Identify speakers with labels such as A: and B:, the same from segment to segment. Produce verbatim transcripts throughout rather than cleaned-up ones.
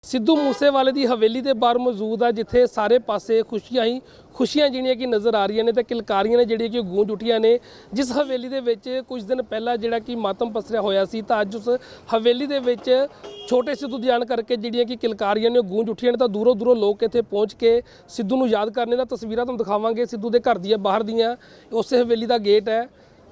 A: ਸਿੱਧੂ ਮੂਸੇਵਾਲੇ ਦੀ ਹਵੇਲੀ ਦੇ ਬਾਹਰ ਮੌਜੂਦ ਆ ਜਿੱਥੇ ਸਾਰੇ ਪਾਸੇ ਖੁਸ਼ੀਆਂ ਹੀ ਖੁਸ਼ੀਆਂ ਜਿਹੜੀਆਂ ਕਿ ਨਜ਼ਰ ਆ ਰਹੀਆਂ ਨੇ ਤੇ ਕਿਲਕਾਰੀਆਂ ਨੇ ਜਿਹੜੀਆਂ ਕਿ ਗੂੰਜ ਉੱਠੀਆਂ ਨੇ। ਜਿਸ ਹਵੇਲੀ ਦੇ ਵਿੱਚ ਕੁਝ ਦਿਨ ਪਹਿਲਾਂ ਜਿਹੜਾ ਕਿ ਮਾਤਮ ਪਸਰਿਆ ਹੋਇਆ ਸੀ ਤਾਂ ਅੱਜ ਉਸ ਹਵੇਲੀ ਦੇ ਵਿੱਚ ਛੋਟੇ ਸਿੱਧੂ ਦੀ ਆਣ ਕਰਕੇ ਜਿਹੜੀਆਂ ਕਿ ਕਿਲਕਾਰੀਆਂ ਨੇ ਗੂੰਜ ਉੱਠੀਆਂ ਨੇ ਤਾਂ ਦੂਰੋਂ ਦੂਰੋਂ ਲੋਕ ਇੱਥੇ ਪਹੁੰਚ ਕੇ ਸਿੱਧੂ ਨੂੰ ਯਾਦ ਕਰਨੇ ਦਾ ਤਸਵੀਰਾਂ ਤੁਹਾਨੂੰ ਦਿਖਾਵਾਂਗੇ। ਸਿੱਧੂ ਦੇ ਘਰ ਦੀਆਂ ਬਾਹਰ ਦੀਆਂ ਉਸੇ ਹਵੇਲੀ ਦਾ ਗੇਟ ਹੈ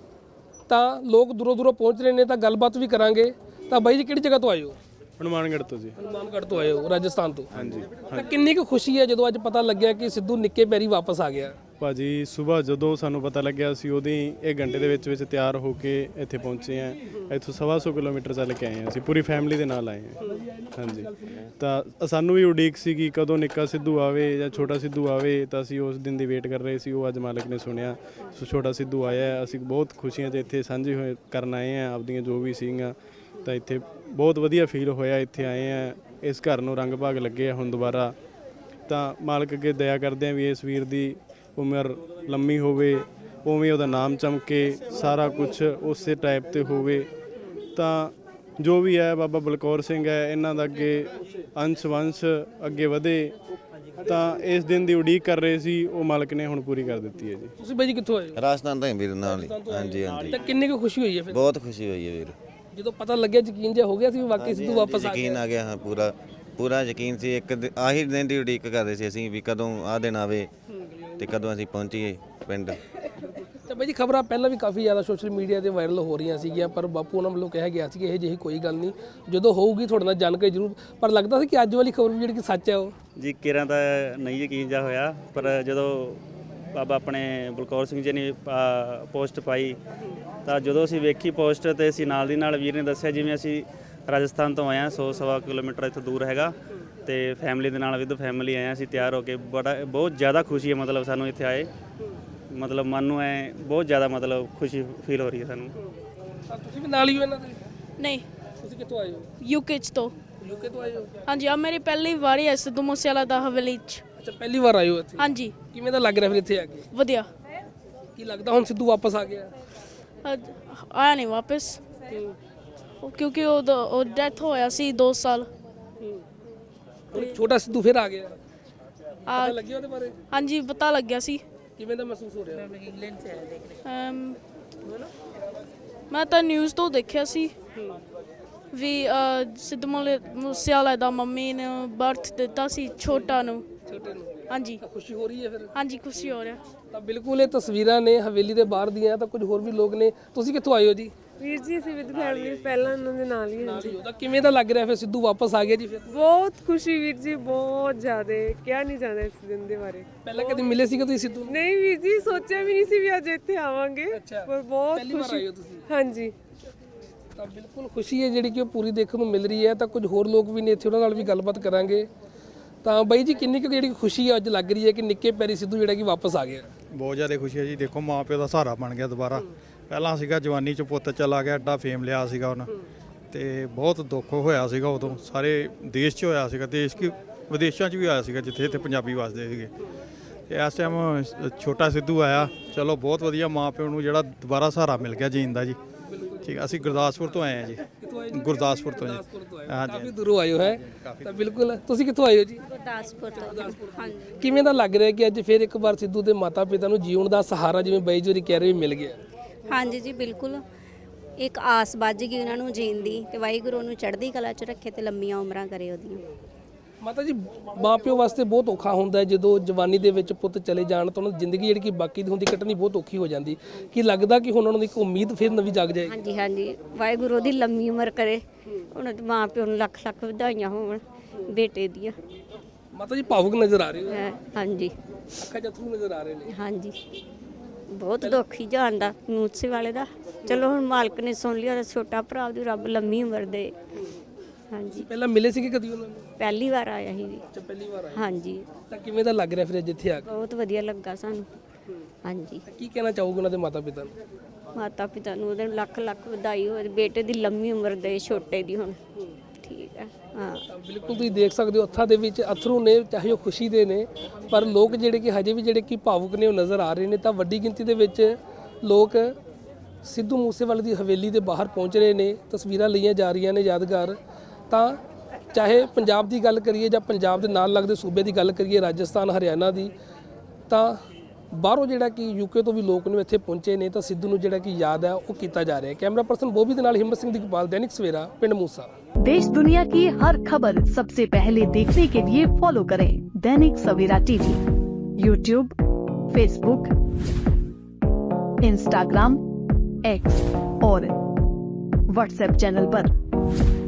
A: ਤਾਂ ਲੋਕ ਦੂਰੋਂ ਦੂਰੋਂ ਪਹੁੰਚ ਰਹੇ ਨੇ ਤਾਂ ਗੱਲਬਾਤ ਵੀ ਕਰਾਂਗੇ। ਤਾਂ ਬਾਈ ਜੀ ਕਿਹੜੀ ਜਗ੍ਹਾ ਤੋਂ ਆਏ ਹੋ?
B: ਹਨੂਮਾਨਗੜ੍ਹ ਤੋਂ ਜੀ।
A: ਹਨੂਮਾਨਗੜ੍ਹ ਤੋਂ ਆਏ ਹੋ ਰਾਜਸਥਾਨ ਤੋਂ?
B: ਹਾਂਜੀ।
A: ਤਾਂ ਕਿੰਨੀ ਕੁ ਖੁਸ਼ੀ ਹੈ ਜਦੋਂ ਅੱਜ ਪਤਾ ਲੱਗਿਆ ਕਿ ਸਿੱਧੂ ਨਿੱਕੇ ਪੈਰੀ ਵਾਪਸ ਆ ਗਿਆ?
B: ਭਾਜੀ ਸਵੇਰ ਜਦੋਂ ਸਾਨੂੰ ਪਤਾ ਲੱਗਿਆ ਸੀ ਉਹਦੀ ਇੱਕ ਘੰਟੇ ਦੇ ਵਿੱਚ ਵਿੱਚ ਤਿਆਰ ਹੋ ਕੇ ਇੱਥੇ ਪਹੁੰਚੇ ਆ। ਇੱਥੋਂ ਸਵਾ ਸੌ ਕਿਲੋਮੀਟਰ ਚੱਲ ਕੇ ਆਏ ਹਾਂ ਅਸੀਂ, ਪੂਰੀ ਫੈਮਿਲੀ ਦੇ ਨਾਲ ਆਏ ਹਾਂ। ਹਾਂਜੀ, ਤਾਂ ਸਾਨੂੰ ਵੀ ਉਡੀਕ ਸੀ ਕਿ ਕਦੋਂ ਨਿੱਕਾ ਸਿੱਧੂ ਆਵੇ ਜਾਂ ਛੋਟਾ ਸਿੱਧੂ ਆਵੇ, ਤਾਂ ਅਸੀਂ ਉਸ ਦਿਨ ਦੀ ਵੇਟ ਕਰ ਰਹੇ ਸੀ। ਉਹ ਅੱਜ ਮਾਲਕ ਨੇ ਸੁਣਿਆ ਸੋ ਛੋਟਾ ਸਿੱਧੂ ਆਇਆ। ਅਸੀਂ ਬਹੁਤ ਖੁਸ਼ੀਆਂ 'ਚ ਇੱਥੇ ਸਾਂਝੇ ਹੋਏ ਕਰਨ ਆਏ ਹਾਂ ਆਪਦੀਆਂ ਜੋ ਵੀ ਸੀਗੀਆਂ। ਤਾਂ ਇੱਥੇ ਬਹੁਤ ਵਧੀਆ ਫੀਲ ਹੋਇਆ, ਇੱਥੇ ਆਏ ਆ। ਇਸ ਘਰ ਨੂੰ ਰੰਗ ਭਾਗ ਲੱਗੇ ਆ ਹੁਣ ਦੁਬਾਰਾ। ਤਾਂ ਮਾਲਕ ਅੱਗੇ ਦਇਆ ਕਰਦੇ ਆ ਵੀ ਇਸ ਵੀਰ ਦੀ ਉਮਰ ਲੰਮੀ ਹੋਵੇ, ਉਵੇਂ ਉਹਦਾ ਨਾਮ ਚਮਕੇ, ਸਾਰਾ ਕੁਝ ਉਸੇ ਟਾਈਪ ਤੇ ਹੋਵੇ। ਤਾਂ ਜੋ ਵੀ ਹੈ ਬਾਬਾ ਬਲਕੌਰ ਸਿੰਘ ਹੈ ਇਹਨਾਂ ਦਾ ਅੱਗੇ ਅੰਸ਼ ਵੰਸ਼ ਅੱਗੇ ਵਧੇ। ਤਾਂ ਇਸ ਦਿਨ ਦੀ ਉਡੀਕ ਕਰ ਰਹੇ ਸੀ, ਉਹ ਮਾਲਕ ਨੇ ਹੁਣ ਪੂਰੀ ਕਰ ਦਿੱਤੀ ਹੈ ਜੀ।
A: ਤੁਸੀਂ ਬਾਈ ਜੀ ਕਿੱਥੋਂ ਆਏ ਹੋ?
C: ਰਾਜਸਥਾਨ ਤੋਂ ਵੀਰ ਨਾਲ ਹੀ। ਹਾਂਜੀ ਹਾਂਜੀ,
A: ਤਾਂ ਕਿੰਨੀ ਕੁ ਖੁਸ਼ੀ ਹੋਈ ਹੈ ਫਿਰ
C: ਬਹੁਤ ਖੁਸ਼ੀ ਹੋਈ ਹੈ ਵੀਰ।
A: ਜਦੋਂ ਪਤਾ ਲੱਗਿਆ ਯਕੀਨ ਜਿਹਾ ਹੋ ਗਿਆ ਸੀ ਵਾਕਈ ਸਿੱਧੂ ਵਾਪਸ ਆ ਗਿਆ?
C: ਯਕੀਨ ਆ ਗਿਆ, ਹਾਂ ਪੂਰਾ ਪੂਰਾ ਯਕੀਨ ਸੀ। ਇੱਕ ਆਹੀ ਦਿਨ ਦੀ ਉਡੀਕ ਕਰ ਰਹੇ ਸੀ ਅਸੀਂ ਵੀ ਕਦੋਂ ਆਹ ਦਿਨ ਆਵੇ ਤੇ ਕਦੋਂ ਅਸੀਂ ਪਹੁੰਚੀਏ ਪਿੰਡ।
A: ਤਾਂ ਬਾਈ ਜੀ ਖਬਰਾਂ ਪਹਿਲਾਂ ਵੀ ਕਾਫੀ ਜ਼ਿਆਦਾ ਸੋਸ਼ਲ ਮੀਡੀਆ ਤੇ ਵਾਇਰਲ ਹੋ ਰਹੀਆਂ ਸੀਗੀਆਂ, ਪਰ ਬਾਪੂ ਉਹਨਾਂ ਵੱਲੋਂ ਕਿਹਾ ਗਿਆ ਸੀ ਕਿ ਇਹ ਜਿਹੀ ਕੋਈ ਗੱਲ ਨਹੀਂ, ਜਦੋਂ ਹੋਊਗੀ ਤੁਹਾਡੇ ਨਾਲ ਜਾਣਕਾਰੀ ਜ਼ਰੂਰ। ਪਰ ਲੱਗਦਾ ਸੀ ਕਿ ਅੱਜ ਵਾਲੀ ਖਬਰ ਵੀ ਜਿਹੜੀ ਕਿ ਸੱਚ ਹੈ ਉਹ
D: ਜੀ ਕਿਰਾਂ ਤਾਂ ਨਹੀਂ ਯਕੀਨ ਜਾ ਹੋਇਆ। ਪਰ ਜਦੋਂ ਬਾਬਾ ਆਪਣੇ ਬਲਕੌਰ ਸਿੰਘ ਜੀ ਨੇ ਪੋਸਟ ਪਾਈ ਤਾਂ ਜਦੋਂ ਅਸੀਂ ਵੇਖੀ ਪੋਸਟ ਤੇ ਅਸੀਂ ਨਾਲ ਦੀ ਨਾਲ ਵੀਰ ਨੇ ਦੱਸਿਆ ਜਿਵੇਂ ਅਸੀਂ ਰਾਜਸਥਾਨ ਤੋਂ ਆਏ ਹਾਂ, ਸੌ ਸਵਾ ਕਿਲੋਮੀਟਰ ਇੱਥੋਂ ਦੂਰ ਹੈਗਾ ਤੇ ਫੈਮਿਲੀ ਦੇ ਨਾਲ ਵਿਦ ਫੈਮਿਲੀ ਆਏ ਹਾਂ ਅਸੀਂ ਤਿਆਰ ਹੋ ਕੇ। ਬੜਾ ਬਹੁਤ ਜ਼ਿਆਦਾ ਖੁਸ਼ੀ ਹੈ ਮਤਲਬ ਸਾਨੂੰ ਇੱਥੇ ਆਏ, ਮਤਲਬ ਮਨ ਨੂੰ ਐ ਬਹੁਤ ਜ਼ਿਆਦਾ ਮਤਲਬ ਖੁਸ਼ੀ ਫੀਲ ਹੋ ਰਹੀ ਹੈ ਸਾਨੂੰ।
A: ਤੁਸੀਂ ਵੀ ਨਾਲ ਹੀ ਹੋ ਇਹਨਾਂ ਦੇ?
E: ਨਹੀਂ,
A: ਤੁਸੀਂ ਕਿੱਥੋਂ ਆਏ ਹੋ?
E: ਯੂਕੇ ਚ ਤੋਂ।
A: ਯੂਕੇ ਤੋਂ ਆਏ ਹੋ?
E: ਹਾਂਜੀ, ਆ ਮੇਰੀ ਪਹਿਲੀ ਵਾਰੀ ਹੈ ਸਿੱਧੂ ਮੂਸੇਵਾਲਾ ਦਾ ਹਵੇਲੀ ਚ।
A: ਅੱਛਾ, ਪਹਿਲੀ ਵਾਰ ਆਏ ਹੋ ਇੱਥੇ?
E: ਹਾਂਜੀ।
A: ਕਿਵੇਂ ਦਾ ਲੱਗ ਰਿਹਾ ਫਿਰ ਇੱਥੇ ਆ ਕੇ?
E: ਵਧੀਆ।
A: ਕੀ ਲੱਗਦਾ ਹੁਣ ਸਿੱਧੂ ਵਾਪਸ ਆ ਗਿਆ?
E: ਅੱਜ ਆਇਆ ਨਹੀਂ ਵਾਪਸ, ਉਹ ਕਿਉਂਕਿ ਉਹ ਉਹ ਡੈਥ ਹੋਇਆ ਸੀ ਦੋ ਸਾਲ।
A: ਹੁਣ ਛੋਟਾ ਸਿੱਧੂ ਫਿਰ ਆ ਗਿਆ,
E: ਆ
A: ਪਤਾ ਲੱਗਿਆ ਉਹਦੇ ਬਾਰੇ?
E: ਹਾਂਜੀ, ਪਤਾ ਲੱਗਿਆ ਸੀ।
A: ਕਿਵੇਂ ਦਾ ਮਹਿਸੂਸ ਹੋ ਰਿਹਾ?
E: ਅਮ, ਮੈਂ ਤਾਂ ਨਿਊਜ਼ ਤੋਂ ਦੇਖਿਆ ਸੀ ਵੀ ਅ, ਸਿੱਧੂ ਮੂਲੇ- ਮੂਸੇਵਾਲਾ ਦਾ ਮੰਮੀ ਨੇ ਬਰਥ ਦਿੱਤਾ ਸੀ ਛੋਟਾ ਨੂੰ।
A: ਛੋਟੇ ਨੂੰ
E: ਹਾਂਜੀ
A: ਖੁਸ਼ੀ ਹੋ ਰਹੀ ਹੈ ਫਿਰ?
E: ਹਾਂਜੀ, ਖੁਸ਼ੀ ਹੋ ਰਿਹਾ।
A: ਤਾਂ ਬਿਲਕੁਲ ਇਹ ਤਸਵੀਰਾਂ ਨੇ ਹਵੇਲੀ ਦੇ ਬਾਹਰ ਦੀਆਂ। ਤਾਂ ਕੁਝ ਹੋਰ ਵੀ ਲੋਕ ਨੇ। ਤੁਸੀਂ ਕਿੱਥੋਂ ਆਏ ਹੋ ਜੀ?
F: ਵੀਰ ਜੀ ਅਸੀਂ ਵਿਦ ਫੈਮਿਲੀ ਪਹਿਲਾਂ ਉਹਨਾਂ ਦੇ ਨਾਲ ਹੀ ਹਾਂ ਜੀ।
A: ਤਾਂ ਕਿਵੇਂ ਦਾ ਲੱਗ ਰਿਹਾ ਫਿਰ ਸਿੱਧੂ ਵਾਪਸ ਆ ਗਿਆ ਜੀ ਫਿਰ?
F: ਬਹੁਤ ਖੁਸ਼ੀ ਵੀਰ ਜੀ, ਬਹੁਤ ਜ਼ਿਆਦਾ ਕਿਹਾ ਨਹੀਂ ਜਾਂਦਾ ਇਸ ਦਿਨ ਦੇ ਬਾਰੇ।
A: ਪਹਿਲਾਂ ਕਦੇ ਮਿਲੇ ਸੀਗੇ ਤੁਸੀਂ ਸਿੱਧੂ ਨੂੰ?
F: ਨਹੀਂ ਵੀਰ ਜੀ, ਸੋਚਿਆ ਵੀ ਨਹੀਂ ਸੀ ਵੀ ਅੱਜ ਇੱਥੇ ਆਵਾਂਗੇ,
A: ਅੱਛਾ,
F: ਪਰ ਬਹੁਤ
A: ਪਹਿਲੀ ਵਾਰ ਆਏ
F: ਖੁਸ਼ੀ।
A: ਹੋ ਤੁਸੀਂ?
F: ਹਾਂਜੀ।
A: ਤਾਂ ਬਿਲਕੁਲ ਖੁਸ਼ੀ ਹੈ ਜਿਹੜੀ ਕਿ ਉਹ ਪੂਰੀ ਦੇਖਣ ਨੂੰ ਮਿਲ ਰਹੀ ਹੈ। ਤਾਂ ਕੁਝ ਹੋਰ ਲੋਕ ਵੀ ਨੇ ਇੱਥੇ, ਉਹਨਾਂ ਨਾਲ ਵੀ ਗੱਲਬਾਤ ਕਰਾਂਗੇ। ਤਾਂ ਬਾਈ ਜੀ ਕਿੰਨੀ ਕੁ ਜਿਹੜੀ ਖੁਸ਼ੀ ਹੈ ਅੱਜ ਲੱਗ ਰਹੀ ਹੈ ਕਿ ਨਿੱਕੇ ਪੈਰੀ ਸਿੱਧੂ ਜਿਹੜਾ ਕਿ ਵਾਪਸ ਆ ਗਿਆ?
G: ਬਹੁਤ ਜ਼ਿਆਦਾ ਖੁਸ਼ੀ ਹੈ ਜੀ। ਦੇਖੋ ਮਾਂ ਪਿਓ ਦਾ ਸਹਾਰਾ ਬਣ ਗਿਆ ਦੁਬਾਰਾ। ਪਹਿਲਾਂ ਸੀਗਾ ਜਵਾਨੀ ਚ ਪੁੱਤ ਚਲਾ ਗਿਆ, ਐਡਾ ਫੇਮ ਲਿਆ ਸੀਗਾ ਉਹਨਾਂ ਤੇ ਬਹੁਤ ਦੁੱਖ ਹੋਇਆ ਸੀਗਾ ਉਦੋਂ। ਸਾਰੇ ਦੇਸ਼ 'ਚ ਹੋਇਆ ਸੀਗਾ, ਦੇਸ਼ ਕੀ ਵਿਦੇਸ਼ਾਂ 'ਚ ਵੀ ਆਇਆ ਸੀਗਾ ਜਿੱਥੇ ਇੱਥੇ ਪੰਜਾਬੀ ਵਸਦੇ ਸੀਗੇ। ਤੇ ਇਸ ਟਾਈਮ ਛੋਟਾ ਸਿੱਧੂ ਆਇਆ, ਚਲੋ ਬਹੁਤ ਵਧੀਆ। ਮਾਂ ਪਿਓ ਨੂੰ ਜਿਹੜਾ ਦੁਬਾਰਾ ਸਹਾਰਾ ਮਿਲ ਗਿਆ ਜੀਣ ਦਾ ਜੀ। ਠੀਕ ਆ, ਅਸੀਂ ਗੁਰਦਾਸਪੁਰ ਤੋਂ ਆਏ ਹਾਂ ਜੀ। ਗੁਰਦਾਸਪੁਰ ਤੋਂ ਜੀ। ਹਾਂਜੀ,
A: ਕਾਫੀ ਦੂਰੋਂ ਆਏ ਹੋ ਹੈ? ਤਾਂ ਬਿਲਕੁਲ। ਤੁਸੀਂ ਕਿੱਥੋਂ ਆਏ ਹੋ ਜੀ?
H: ਗੁਰਦਾਸਪੁਰ ਤੋਂ। ਹਾਂਜੀ।
A: ਕਿਵੇਂ ਦਾ ਲੱਗ ਰਿਹਾ ਕਿ ਅੱਜ ਫਿਰ ਇੱਕ ਵਾਰ ਸਿੱਧੂ ਦੇ ਮਾਤਾ ਪਿਤਾ ਨੂੰ ਜੀਉਣ ਦਾ ਸਹਾਰਾ ਜਿਵੇਂ ਬਾਈ ਜੀ ਕਹਿ ਰਹੇ ਮਿਲ ਗਿਆ?
H: ਹਾਂਜੀ ਜੀ, ਬਿਲਕੁਲ। ਇੱਕ ਆਸ ਬੱਝ ਗਈ ਉਹਨਾਂ ਨੂੰ ਜੀਣ ਦੀ ਤੇ ਵਾਹਿਗੁਰੂ ਉਹਨੂੰ ਚੜ੍ਹਦੀ ਕਲਾ 'ਚ ਰੱਖੇ ਤੇ ਲੰਮੀਆਂ ਉਮਰਾਂ ਕਰੇ ਉਹਦੀਆਂ।
A: ਮਾਤਾ ਜੀ ਮਾਂ ਪਿਓ ਵਾਸਤੇ ਬਹੁਤ ਔਖਾ ਹੁੰਦਾ ਹੈ ਜਦੋਂ ਜਵਾਨੀ ਦੇ ਵਿੱਚ ਪੁੱਤ ਚਲੇ ਜਾਣ ਤਾਂ ਉਹਨਾਂ ਦੀ ਜ਼ਿੰਦਗੀ ਜਿਹੜੀ ਕਿ ਬਾਕੀ ਦੀ ਹੁੰਦੀ ਕੱਟਣੀ ਬਹੁਤ ਔਖੀ ਹੋ ਜਾਂਦੀ। ਕੀ ਲੱਗਦਾ ਕਿ ਹੁਣ ਉਹਨਾਂ ਦੀ ਇੱਕ ਉਮੀਦ ਫਿਰ ਨਵੀਂ ਜਾਗ ਜਾਏਗੀ?
H: ਹਾਂਜੀ ਹਾਂਜੀ, ਵਾਹਿਗੁਰੂ ਉਹਦੀ ਲੰਮੀ ਉਮਰ ਕਰੇ। ਉਹਨਾਂ ਦੇ ਮਾਂ ਪਿਓ ਨੂੰ ਲੱਖ ਲੱਖ ਵਧਾਈਆਂ ਹੋਣ ਬੇਟੇ ਦੀਆਂ।
A: ਮਾਤਾ ਜੀ ਭਾਵੁਕ ਨਜ਼ਰ ਆ ਰਹੇ ਹੋ?
H: ਹੈਂ, ਹਾਂਜੀ
A: ਅੱਖਾਂ 'ਚ ਅੱਥਰੂ ਨਜ਼ਰ ਆ ਰਹੇ ਨੇ।
H: ਹਾਂਜੀ, ਬਹੁਤ ਦੁੱਖ ਹੀ ਜਾਣਦਾ ਮੂਸੇਵਾਲੇ ਦਾ। ਚਲੋ ਹੁਣ ਮਾਲਕ ਨੇ ਸੁਣ ਲਿਆ, ਛੋਟਾ ਭਰਾ ਉਹਦੀ ਰੱਬ ਲੰਮੀ ਉਮਰ ਦੇ। ਹਾਂਜੀ।
A: ਪਹਿਲਾਂ ਮਿਲੇ ਸੀਗੇ ਕਦੀ ਉਹਨਾਂ ਨੂੰ?
H: ਪਹਿਲੀ ਵਾਰ ਆਇਆ ਸੀ ਜੀ।
A: ਅੱਛਾ, ਪਹਿਲੀ ਵਾਰ ਆਏ।
H: ਹਾਂਜੀ।
A: ਤਾਂ ਕਿਵੇਂ ਦਾ ਲੱਗ ਰਿਹਾ ਫਿਰ ਜਿੱਥੇ ਆ ਕੇ?
H: ਬਹੁਤ ਵਧੀਆ ਲੱਗਾ ਸਾਨੂੰ। ਹਾਂਜੀ।
A: ਕੀ ਕਹਿਣਾ ਚਾਹੋਗੇ ਉਹਨਾਂ ਦੇ ਮਾਤਾ ਪਿਤਾ ਨੂੰ?
H: ਮਾਤਾ ਪਿਤਾ ਨੂੰ ਉਹਦੇ ਲੱਖ ਲੱਖ ਵਧਾਈ ਹੋਵੇ, ਬੇਟੇ ਦੀ ਲੰਮੀ ਉਮਰ ਦੇ, ਛੋਟੇ ਦੀ ਹੁਣ। ਠੀਕ ਹੈ। ਹਾਂ,
A: ਤਾਂ ਬਿਲਕੁਲ ਤੁਸੀਂ ਦੇਖ ਸਕਦੇ ਹੋ ਅੱਖਾਂ ਦੇ ਵਿੱਚ ਅਥਰੂ ਨੇ, ਚਾਹੇ ਉਹ ਖੁਸ਼ੀ ਦੇ ਨੇ, ਪਰ ਲੋਕ ਜਿਹੜੇ ਕਿ ਹਜੇ ਵੀ ਜਿਹੜੇ ਕਿ ਭਾਵੁਕ ਨੇ ਉਹ ਨਜ਼ਰ ਆ ਰਹੇ ਨੇ। ਤਾਂ ਵੱਡੀ ਗਿਣਤੀ ਦੇ ਵਿੱਚ ਲੋਕ ਸਿੱਧੂ ਮੂਸੇਵਾਲੇ ਦੀ ਹਵੇਲੀ ਦੇ ਬਾਹਰ ਪਹੁੰਚ ਰਹੇ ਨੇ। ਤਸਵੀਰਾਂ ਲਈਆਂ ਜਾ ਰਹੀਆਂ ਨੇ ਯਾਦਗਾਰ। ਤਾਂ ਚਾਹੇ ਪੰਜਾਬ ਦੀ ਗੱਲ ਕਰੀਏ ਜਾਂ ਪੰਜਾਬ ਦੇ ਨਾਲ ਲੱਗਦੇ ਸੂਬੇ ਦੀ ਗੱਲ ਕਰੀਏ, ਰਾਜਸਥਾਨ, ਹਰਿਆਣਾ ਦੀ, ਤਾਂ ਬਾਹਰੋਂ ਜਿਹੜਾ ਕਿ ਯੂਕੇ ਤੋਂ ਵੀ ਲੋਕ ਨੇ ਇੱਥੇ ਪਹੁੰਚੇ ਨੇ, ਤਾਂ ਸਿੱਧੂ ਨੂੰ ਜਿਹੜਾ ਕਿ ਯਾਦ ਹੈ ਉਹ ਕੀਤਾ ਜਾ ਰਿਹਾ ਹੈ। ਕੈਮਰਾ ਪਰਸਨ ਬੋਬੀ ਦੇ ਨਾਲ ਹਿੰਮਤ ਸਿੰਘ ਦੀਪਾਲ, दैनिक सवेरा, पिंड मूसा।
I: देश दुनिया की हर खबर सबसे पहले देखने के लिए फॉलो करें Dainik Savera TV, YouTube, Facebook, Instagram, X और व्हाट्सएप चैनल पर।